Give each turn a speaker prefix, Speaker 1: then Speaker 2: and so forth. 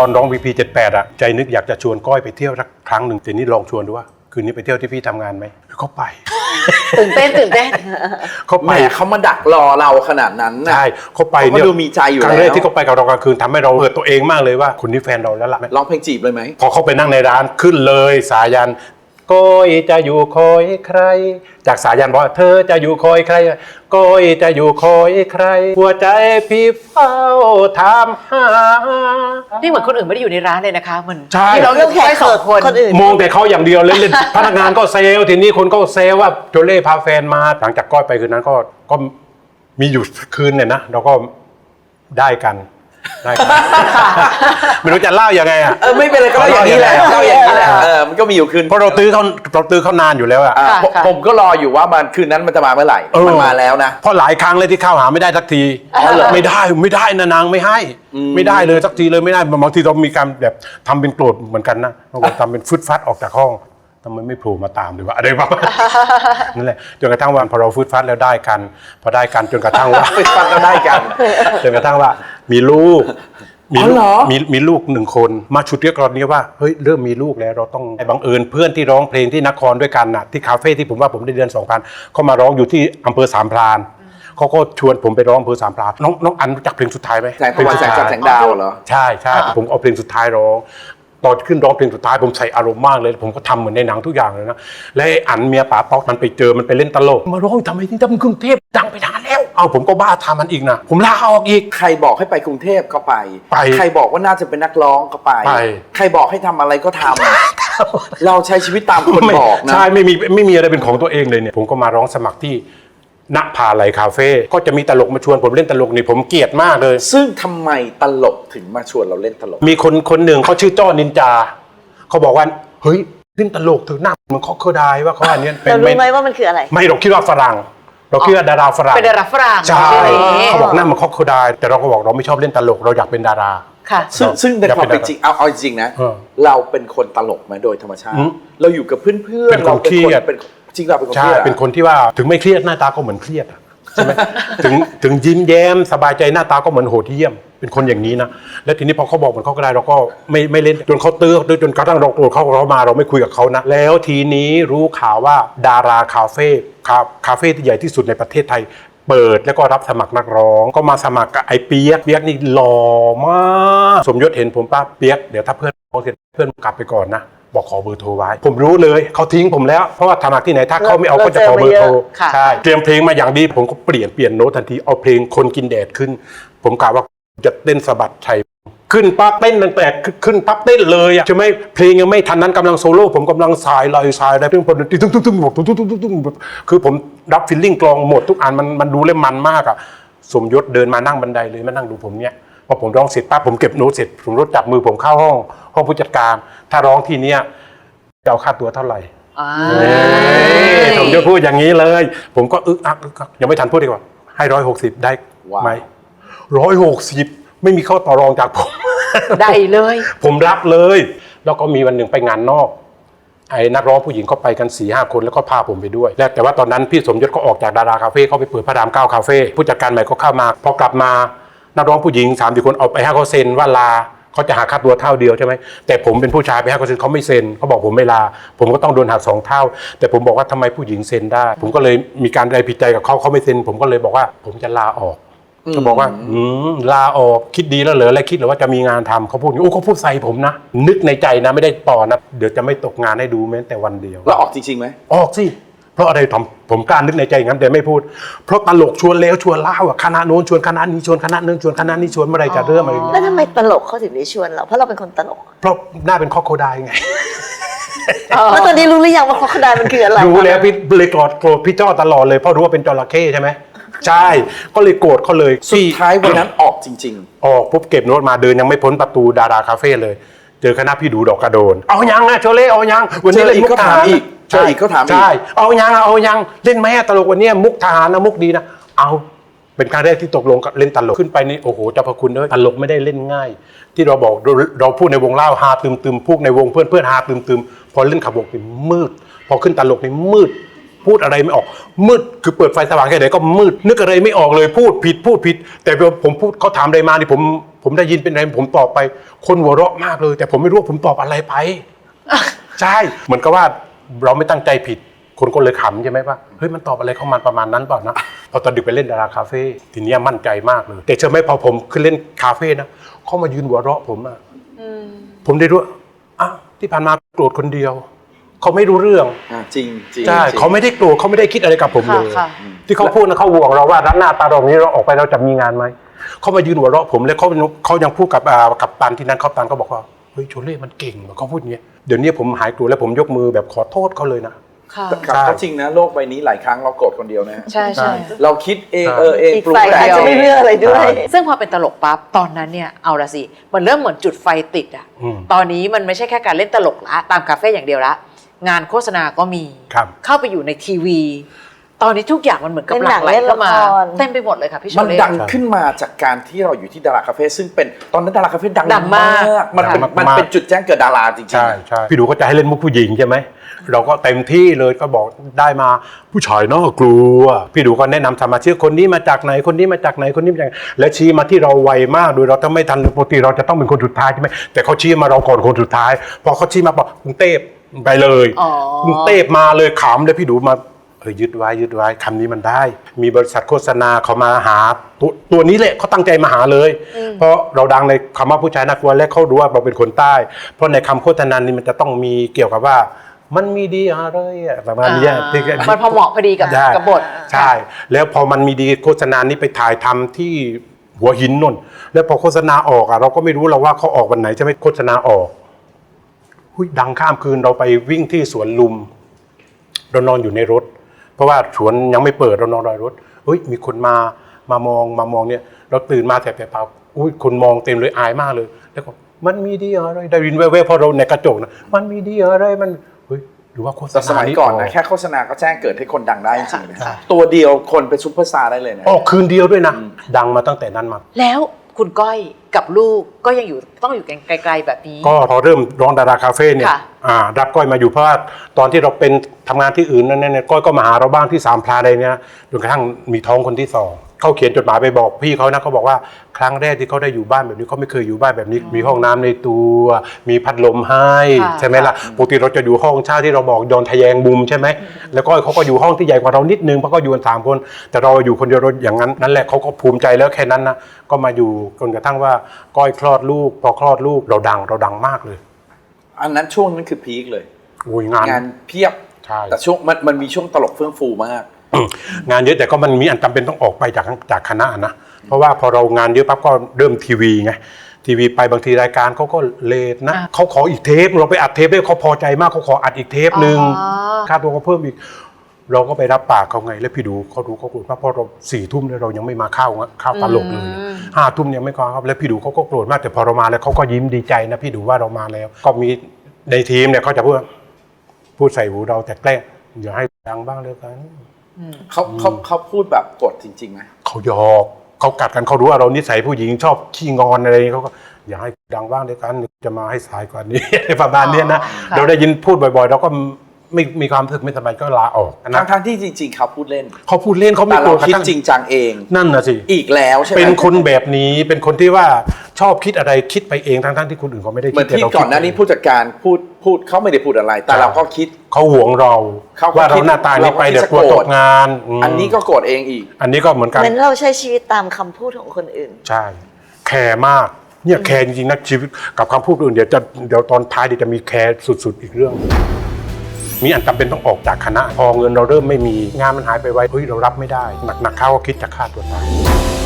Speaker 1: อนร้อง VP78 อ่ะใจนึกอยากจะชวนก้อยไปเที่ยวสักครั้งหนึ่งแต่นี่ลองชวนดูว่าคืนนี้ไปเที่ยวที่พี่ทำงานไหมเขาไป
Speaker 2: ตื่นเต้น
Speaker 1: เขาไป
Speaker 3: เขามาดักรอเราขนาดนั้นนะ
Speaker 1: ใช่เขาไปเนี่ย
Speaker 3: เขาดูมีใจอยู่แล้ว
Speaker 1: ครั้งแรกที่เขาไปกับเรากลางคืนทำให้เราเปิดตัวเองมากเลยว่าคนนี้แฟนเราแล้วล่ะ
Speaker 3: ร้องเพลงจีบเลยไหม
Speaker 1: พอเขาไปนั่งในร้านขึ้นเลยสายันก้อยจะอยู่คอยใครจากสายันบอกเธอจะอยู่คอยใครก้อยจะอยู่คอยใครหัวใจพี่เฝ้าถามหา
Speaker 2: นี่เหมือนคนอื่นไม่ได้อยู่ในร้านเลยนะคะมัน
Speaker 1: ใช่
Speaker 2: ที่เราเลือกแค่2 คนอื่น
Speaker 1: มองแต่เขาอย่างเดียวเล่นพนักงานก็เซลทีนี้คนก็เซลว่าโจเล่พาแฟนมาหลังจากก้อยไปคืนนั้นก็มีอยู่คืนเนี่ยนะเราก็ได้กันไม่รู้จะเล่ายังไงอ่ะ
Speaker 3: ไม่เป็นไรก็เล่าอย่างนี้แหละเล่าอย่างนี้แหละมันก็มีอยู่คืน
Speaker 1: เพราะเราตื้อเขานานอยู่แล้วอ่ะ
Speaker 3: ผมก็รออยู่ว่ามันคืนนั้นมันจะมาเมื่อไหร่มันมาแล้วนะ
Speaker 1: เพราะหลายครั้งเลยที่เข้าหาไม่ได้สักทีไม่ได้นะนางไม่ให้ไม่ได้เลยสักทีเลยไม่ได้บางทีเรามีการแบบทำเป็นโกรธเหมือนกันนะเราทำเป็นฟึดฟัดออกจากห้องทำไมไม่โผล่มาตามหรือว่าอะไรประมาณนั่นแหละจนกระทั่งวันพอเราฟึดฟัดแล้วได้กันพอได้กันจนกระทั่งว่า
Speaker 3: ฟึดฟัดแล้วได้กัน
Speaker 1: จนกระทั่งว่ามีลูกมีลูก1 คนมาฉุดเรียกเรานี้ว่าเฮ้ยเริ่มมีลูกแล้วเราต้องบังเอิญเพื่อนที่ร้องเพลงที่นครด้วยกันน่ะที่คาเฟ่ที่ผมว่าผมได้เดือน 2,000เขามาร้องอยู่ที่อำเภอสามพรานเขาก็ชวนผมไปร้องอำเภอสามพรานน้องอันรู้จักเพลงสุดท้ายไหม
Speaker 3: เพลงแสงจันทร์แสงดาวเหรอ
Speaker 1: ใช่ผมเอาเพลงสุดท้ายร้องตอนขึ้นร้องเพลงสุดท้ายผมใส่อารมณ์มากเลยผมก็ทำเหมือนในหนังทุกอย่างเลยนะและอันเมียป๋าป๊อกมันไปเจอมันไปเล่นตลกมาร้องทำไมที่ทำกรุงเทพดังไปนานแล้วเอาผมก็บ้าทำมันอีกนะผมลาออกอีก
Speaker 3: ใครบอกให้ไปกรุงเทพก็ไปใครบอกว่าน่าจะเป็นนักร้องก็ไปใครบอกให้ทำอะไรก็ทำเราใช้ชีวิตตามคนบอกนะ
Speaker 1: ใช่ไม่มีอะไรเป็นของตัวเองเลยเนี่ยผมก็มาร้องสมัครที่ณภาลัยคาเฟ่ก็จะมีตลกมาชวนผมเล่นตลกนี่ผมเกลียดมากเลย
Speaker 3: ซึ่งทำไมตลกถึงมาชวนเราเล่นตลก
Speaker 1: มีคนหนึ่งเขาชื่อจ้อนินจาเขาบอกว่าเฮ้ยเล่นตลกเถอะหน้าเหมือนเคอร์ดายว่าเขาอันนี้
Speaker 4: เรารู้ไหมว่ามันคืออะไร
Speaker 1: ไม่เราคิดว่าฝรั่งเราคิดว่าดาราฝรั่ง
Speaker 2: เป็นดาราฝรั่ง
Speaker 1: ใช่เขาบอกหน้าเหมือนเคอร์ดายแต่เราก็บอกเราไม่ชอบเล่นตลกเราอยากเป็นดารา
Speaker 2: ค่ะ
Speaker 3: ซึ่งในความเป็นจริงเอาจริงนะเราเป็นคนตลกมาโดยธรรมชาติเราอยู่กับเพื่อน
Speaker 1: เราเป็นคน
Speaker 3: จริงเราเป็นคนเค
Speaker 1: รี
Speaker 3: ยด
Speaker 1: เป็นคนที่ว่าถึงไม่เครียดหน้าตาก็เหมือนเครียดใช่ไหมถึงยิ้มแย้มสบายใจหน้าตาก็เหมือนโหดเหี้ยมเป็นคนอย่างนี้นะแล้วทีนี้พอเขาบอกเหมือนเขาก็ได้เราก็ไม่เล่นจนเขาตื้อจนกระทั่งเราโกรธเขามาเราไม่คุยกับเขานะแล้วทีนี้รู้ข่าวว่าดาราคาเฟ่ที่ใหญ่ที่สุดในประเทศไทยเปิดแล้วก็รับสมัครนักร้องก็มาสมัครกับไอ้เปียกนี่หล่อมากสมยศเห็นผมป้าเปียกเดี๋ยวถ้าเพื่อนเขาเสร็จเพื่อนกลับไปก่อนนะบอกขอเบอร์โทรไว้ผมรู้เลยเขาทิ้งผมแล้วเพราะว่าสมัครที่ไหนถ้าเขาไม่เอาก็จะขอเบอร์โทรใช่เตรียมเพลงมาอย่างดีผมก็เปลี่ยนโน้ตทันทีเอาเพลงคนกินแดดขึ้นผมกะว่าจะเต้นสะบัดชัยขึ้นปั๊บเต้นตั้งแต่ขึ้นปั๊บเต้นเลยอ่ะใช่ไหมเพลงยังไม่ทันนั้นกำลังโซโล่ผมกำลังสายได้เพิ่งพอตุ้งบอกตุ้งคือผมรับฟีลลิ่งกลองหมดทุกอันมันดูเลยมันมากอ่ะสมยศเดินมานั่งบันไดเลยมานั่งดูผมเนี่ยพอผมร้องเสร็จปั๊บผมเก็บโน้ตเสร็จผมรถจับมือผมเข้าห้องผู้จัดการถ้าร้องทีเนี้ยจะเอาค่าตัวเท่าไหร่ผมจะพูดอย่างนี้เลยผมก็อักยังไม่ทันพูดดีกว่าให้160ได้ไหม160ไม่มีข้อต่อรองจากผม
Speaker 2: ได้เลย
Speaker 1: ผมรับเลยแล้วก็มีวันหนึ่งไปงานนอกไอ้นักร้องผู้หญิงเขาไปกัน 4-5 คนแล้วก็พาผมไปด้วยแต่ว่าตอนนั้นพี่สมยศก็ออกจากดาราคาเฟ่เขาไปเปิดพระราม9คาเฟ่ผู้จัดการใหม่ก็เข้ามาพอกลับมานักร้องผู้หญิง3-4 คนเอาไปให้เขาเซ็นว่าลาเขาจะหักค่าตัวเท่าเดียวใช่ไหมแต่ผมเป็นผู้ชายไปให้เขาเซ็นเขาไม่เซ็นเขาบอกผมไม่ลาผมก็ต้องโดนหัก2 เท่าแต่ผมบอกว่าทำไมผู้หญิงเซ็นได้ผมก็เลยมีการได้ผิดใจกับเขาไม่เซ็นผมก็เลยบอกว่าผมจะลาออกเขาบอกว่าลาออกคิดดีแล้วเหรออะไรคิดหรือว่าจะมีงานทำเขาพูดอย่างนี้เขาพูดใส่ผมนะนึกในใจนะไม่ได้ต่อนะเดี๋ยวจะไม่ตกงานให้ดูแม้แต่วันเดียว
Speaker 3: แล้วออกจริงๆไหม
Speaker 1: ออกสิเพราะอะไรทำผมกล้านึกในใจอย่างนั้นแต่ไม่พูดเพราะตลกชวนแล้วชวนเล่าคณะโน้นชวนคณะนี้ชวนคณะนึงชวนคณะนี้ชวนเมื่อไรจะเริ่มอะไรอย่างเงี้ย
Speaker 4: แล้วทำไมตลกเขาถึงได้ชวนเราเพราะเราเป็นคนตลก
Speaker 1: เพราะหน้าเป็นคอโคไดไง
Speaker 4: แล้วตอนนี้รู้หรือยังว่าคอโคไดมันคืออะไร
Speaker 1: รู้แล้วพี่เลยโกรธพี่จ้อตลอดเลยเพราะรู้ว่าเป็นจระเข้ใช่ไหมใช่ก็เลยโกรธเขาเลย
Speaker 3: สุดท้ายวันนั้นออกจริง
Speaker 1: ๆออกปุ๊บเก็บโน้ตมาเดินยังไม่พ้นประตูดาราคาเฟ่เลยเจอคณะพี่ดูดอกกระโดนเอายังนะโชเล่เอายัง
Speaker 3: วันนี้อีกก็ถามอีกใช่ก็ถามอีก
Speaker 1: ใช่เอายังเล่นไหมตลกวันนี้มุกทหารนะมุกดีนะเอาเป็นครั้งแรกที่ตกลงเล่นตลกขึ้นไปนี่โอ้โหเจ้าพระคุณเอ้ยตลกไม่ได้เล่นง่ายที่เราบอกเราพูดในวงเล่าฮาตึมพูดในวงเพื่อนฮาตึมพอเล่นขับวงนี่มืดพอขึ้นตลกนี่มืดพูดอะไรไม่ออกมืดคือเปิดไฟสว่างแค่ไหนก็มืดนึกอะไรไม่ออกเลยพูดผิดแต่ผมพูดเขาถามอะไรมานี่ผมผมได้ยินเป็นอะไรผมตอบไปคนหัวเราะมากเลย แต่ผมไม่รู้ว่าผมตอบอะไรไป ใช่เหมือนกับว่าเราไม่ตั้งใจผิดคนก็เลยขำใช่ไหมว่าเฮ้ยมันตอบอะไรเข้ามาประมาณนั้นเปล่านะพอตอนดึกไปเล่นดาราคาเฟ่ทีนี้มั่นใจมากเลยแต่เชื่อไหมพอผมขึ้นเล่นคาเฟ่นะเขามายืนหัวเราะผมอ่ะผมได้รู้อ้าวที่ผ่านมาโกรธคนเดียวเขาไม่รู้เรื่อง
Speaker 3: จริงจริง
Speaker 1: ใช่เขาไม่ได้โกรธเขาไม่ได้คิดอะไรกับผมเลย
Speaker 2: ค่ะ
Speaker 1: ที่เขาพูดนะเขาห่วงเราว่ารับหน้าตาเรานี้เราออกไปเราจะมีงานไหมเขามายืนหัวเราะผมแล้วเขายังพูดกับตันที่นั้นเขาตันเขาบอกว่าเฮ้ยโชเล่มันเก่งเขาพูดอย่างเงี้ยเดี๋ยวนี้ผมหายโกรธแล้วผมยกมือแบบขอโทษเขาเลยนะ
Speaker 2: ค่ะ
Speaker 3: ครับก็จริงนะโลกใบนี้หลายครั้งเราโกรธคนเดียวนะฮะ
Speaker 2: ใช่ใช่
Speaker 3: เราคิดเองเอง
Speaker 4: อีก
Speaker 3: ปรุง
Speaker 4: ฝ่าย
Speaker 3: แต่
Speaker 4: อาจ
Speaker 3: ง
Speaker 4: จะไม่เลือกอะไรด้วย
Speaker 2: ซึ่งพอเป็นตลกปั๊บตอนนั้นเนี่ยเอาละสิมันเริ่มเหมือนจุดไฟติดอ่ะ
Speaker 1: อืม
Speaker 2: ตอนนี้มันไม่ใช่แค่การเล่นตลกละตามคาเฟ่อย่างเดียวละงานโฆษณาก็มี
Speaker 1: ครับ
Speaker 2: เข้าไปอยู่ในทีวี ตอนนี้ทุกอย่างมันเหมือนกับ
Speaker 4: เล่น
Speaker 2: ห
Speaker 4: หนั
Speaker 2: ลั่
Speaker 4: ง
Speaker 2: งไหล
Speaker 4: เล่น
Speaker 2: เข้ามา
Speaker 4: ละคร
Speaker 2: เต็มไปหมดเลยค่ะพี่โช
Speaker 3: มัน
Speaker 2: เล่
Speaker 3: ดังขึ้นมาจากการที่เราอยู่ที่ดาราคาเฟ่ซึ่งเป็นตอนนั้นดาราคาเฟ่ดัง
Speaker 2: ดังมาก
Speaker 3: มันเป็น
Speaker 1: ดังมาก
Speaker 3: มันเป็นจุดแจ้งเกิดดาราจริงๆ
Speaker 1: ใช่
Speaker 3: นะ
Speaker 1: ใช่พี่ดูก็จะให้เล่นมุกผู้หญิงใช่ไหมเราก็เต็มที่เลยก็บอกได้มาผู้ชายน่ากลัวพี่ดูก็แนะนำสมาชิกคนนี้มาจากไหนคนนี้มาจากไหนคนนี้มาจากไหนและชี้มาที่เราไวมากโดยเราถ้าไม่ทันปกติเราจะต้องเป็นคนสุดท้ายใช่ไหมแต่เขาชี้มาเราก่อนคนสุดท้ายพอเขาชี้มาบอกกรุงเทพไปเลย
Speaker 2: อ๋อก
Speaker 1: รุงเทพมาเลยขำเลยพี่ดูมายึดไว้คำนี้มันได้ มีบริษัทโฆษณาเขามาหาตัวนี้แหละเขาตั้งใจมาหาเลย เพราะเราดังในคำว่าผู้ชายน่ากลัวและเขารู้ว่าเราเป็นคนใต้ เพราะในคำโฆษณานี้มันจะต้องมีเกี่ยวกับว่ามันมีดีอะไรอะประมาณนี้ที่
Speaker 2: มันพอเหมาะพอดีกับ
Speaker 1: ใช่
Speaker 2: กับบท
Speaker 1: ใช่ แล้วพอมันมีดีโฆษณานี้ไปถ่ายทำที่หัวหินนนแล้วพอโฆษณาออกอะเราก็ไม่รู้เราว่าเขาออกวันไหนใช่ไหมโฆษณาออกหุ้ยดังข้ามคืนเราไปวิ่งที่สวนลุมเรานอนอยู่ในรถ เพราะว่าสวนยังไม่เปิดเรานอนรอรถเฮ้ยมีคนมามองเนี่ยเราตื่นมาแต่เปล่าอุ้ยคนมองเต็มเลยอายมากเลยแล้วก็มันมีดีอะไรได้ยินแว่วๆพอเราในกระจกนะมันมีดีอะไรมันเฮ้ยหรือว่าโฆษ
Speaker 3: แต่
Speaker 1: ณา
Speaker 3: สมัยก่อนนะแค่โฆษณาก็แจ้งเกิดให้คนดังได้จริงๆนะตัวเดียวคนเป็นซุปเปอร์สตาร์ได้เลยนะ
Speaker 1: ออกคืนเดียวด้วยนะดังมาตั้งแต่นั้นมา
Speaker 2: แล้วคุณก้อยกับลูกก็ยังอยู่ต้องอยู่กันไกลๆแบบนี้
Speaker 1: ก็พอเริ่มร้องดาราคาเฟ่เนี่ย
Speaker 2: ค่ะ
Speaker 1: รับก้อยมาอยู่เพราะว่าตอนที่เราเป็นทำงานที่อื่นนั่นเนี่ยก้อยก็มาหาเราบ้างที่สามพลาอะไรเนี่ยจนกระทั่งมีท้องคนที่สองเขาเขียนจดหมายไปบอกพี่เขานะเขาบอกว่าครั้งแรกที่เขาได้อยู่บ้านแบบนี้เขาไม่เคยอยู่บ้านแบบนี้ มีห้องน้ำในตัวมีพัดลมให้
Speaker 2: ค่ะ
Speaker 1: ใช่ไหมล่ะปกติเราจะอยู่ห้องเช่าที่เราบอกยอนทะแยงมุมใช่ไหมแล้วก้อยเขาก็อยู่ห้องที่ใหญ่กว่าเรานิดนึงเพราะก็อยู่กัน3 คนแต่เราอยู่คนเดียวเราอย่างนั้นนั่นแหละเขาก็ภูมิใจแล้วแค่นั้นนะก็มาอยู่จนกระทั่งว่าก้อยคลอดลูกพอคลอดลูกเราดังมากเลย
Speaker 3: อันนั้นช่วงนั้นคือพีคเลย
Speaker 1: โอ้ยงาน
Speaker 3: งานเพียบ
Speaker 1: ใช่
Speaker 3: แต่ช่วงมันมีช่วงตลกเฟื่องฟูมาก
Speaker 1: งานเยอะแต่ก็มันมีอันจำเป็นต้องออกไปจากคณะนะเพราะว่าพอเรางานเยอะปั๊บก็เริ่มทีวีไงทีวีไปบางทีรายการเขาก็เลทนะเขาขออีกเทปเราไปอัดเทปได้เขาพอใจมากเขาขออัดอีกเทปหนึ่งค่าตัวก็เพิ่มอีกเราก็ไปรับปากเขาไงแล้วพี่ดูเขาดูเขาโกรธมากเพราะเรา4 ทุ่มเนี่ยเรายังไม่มาเข้าตลกเลย5 ทุ่มยังไม่เข้าครับแล้วพี่ดูเขาก็โกรธมากแต่พอเรามาแล้วเขาก็ยิ้มดีใจนะพี่ดูว่าเรามาแล้ว ก็มีในทีมเนี่ยเขาจะพูดใส่หูเราแต่แกล้งอย่าให้ดังบ้างเลยกัน
Speaker 3: เขาพูดแบบกดจริงๆไหม
Speaker 1: เขาหยอกเขากัดกันเขารู้ว่าเรานิสัยผู้หญิงชอบขี้งอนอะไรเขาก็อย่าให้ดังบ้างเลยกันจะมาให้สายกว่านี้ ประมาณนี้นะเราได้ยินพูดบ่อยๆเราก็ไม่มีความรู้สึกไม่สบายก็ลาออกนะ
Speaker 3: ทั้งที่จริงๆเขาพูดเล่น
Speaker 1: เขาพูดเล่นเขาไม่
Speaker 3: แต่
Speaker 1: โกร
Speaker 3: เรา
Speaker 1: ธกระ
Speaker 3: คิด
Speaker 1: ทั่ง
Speaker 3: จริงจังเอง
Speaker 1: นั่นนะสิ
Speaker 3: อีกแล้วใช่ไหม
Speaker 1: เป็นคนแบบนี้เป็นคนที่ว่าชอบคิดอะไรคิดไปเองทั้งที่คนอื่นเขาไม่ได้
Speaker 3: เหมื
Speaker 1: คิ
Speaker 3: อ
Speaker 1: ด
Speaker 3: นที่ก่อนหน้านี้ผู้จัดการพูดเขาไม่ได้พูดอะไร แต่เราก็คิด
Speaker 1: เขาหวงเรา
Speaker 3: เขาก็
Speaker 1: ว่าเรา
Speaker 3: คิด
Speaker 1: หน้าตานี้ไป
Speaker 3: เราก็คิด
Speaker 1: เดี๋ยวกลัว
Speaker 3: จะโกรธ
Speaker 1: ตกงานม
Speaker 3: อันนี้ก็โกรธเองอีก
Speaker 1: อันนี้ก็เหมือนกัน
Speaker 4: เหมือนเราใช้ชีวิตตามคำพูดของคนอื่น
Speaker 1: ใช่แคร์มากเนี่ยแคร์จริงๆนะชีวิตกับคำพูดอื่นเดี๋ยวตอนท้ายเดี๋ยวจะมีแคร์สุดๆอีกเรื่อง มีอันจำเป็นต้องออกจากคณะพอเงินเราเริ่มไม่มีงานมันหายไปไวเฮ้ยเรารับไม่ได้หนักๆเข้าก็คิดจะฆ่าตัวตาย